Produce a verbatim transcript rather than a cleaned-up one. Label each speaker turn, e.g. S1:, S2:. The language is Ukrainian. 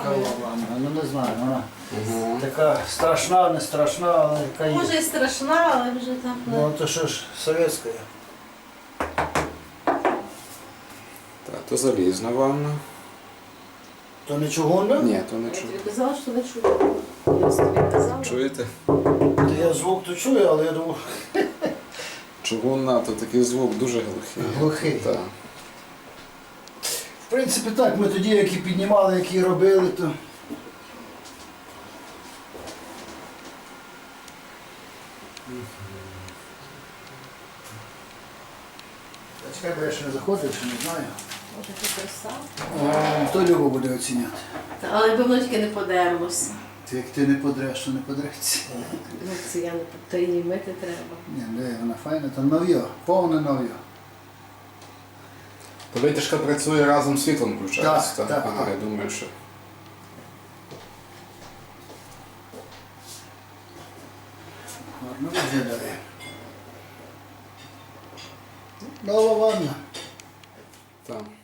S1: Цікава ванна. Ну не знаю, вона
S2: Угу.
S1: така страшна, не страшна, але яка є.
S3: Може і страшна, але вже так.
S1: Ну то що ж, совєтська.
S2: Так, то залізна ванна.
S1: То не чугунна?
S2: Ні, то не
S3: Я
S2: чую.
S3: тобі казала, що не чую. Я ж тобі казала.
S2: Чуєте?
S1: То я звук то чую, але я думаю,
S2: Чугунна, то такий звук дуже глухий.
S1: глухий.
S2: Так.
S1: В принципі так, ми тоді, які піднімали, які робили, то... Та чекай, бо я ще не заходив, ще не знаю.
S3: Може ти краса?
S1: О, то Люба буде оціняти.
S3: Та, але якби воно тільки не подерлося.
S1: Ти як ти не подреш, то не подреться.
S3: Ну, це я не то її мити треба.
S1: Ні, де вона файна, там нов'я, повне нов'я.
S2: То витяжка працює разом з світлом включається,
S1: Так, так,
S2: Ага,
S1: так.
S2: я думаю, що.
S1: Гарно виглядає. Нова ванна.
S2: Так.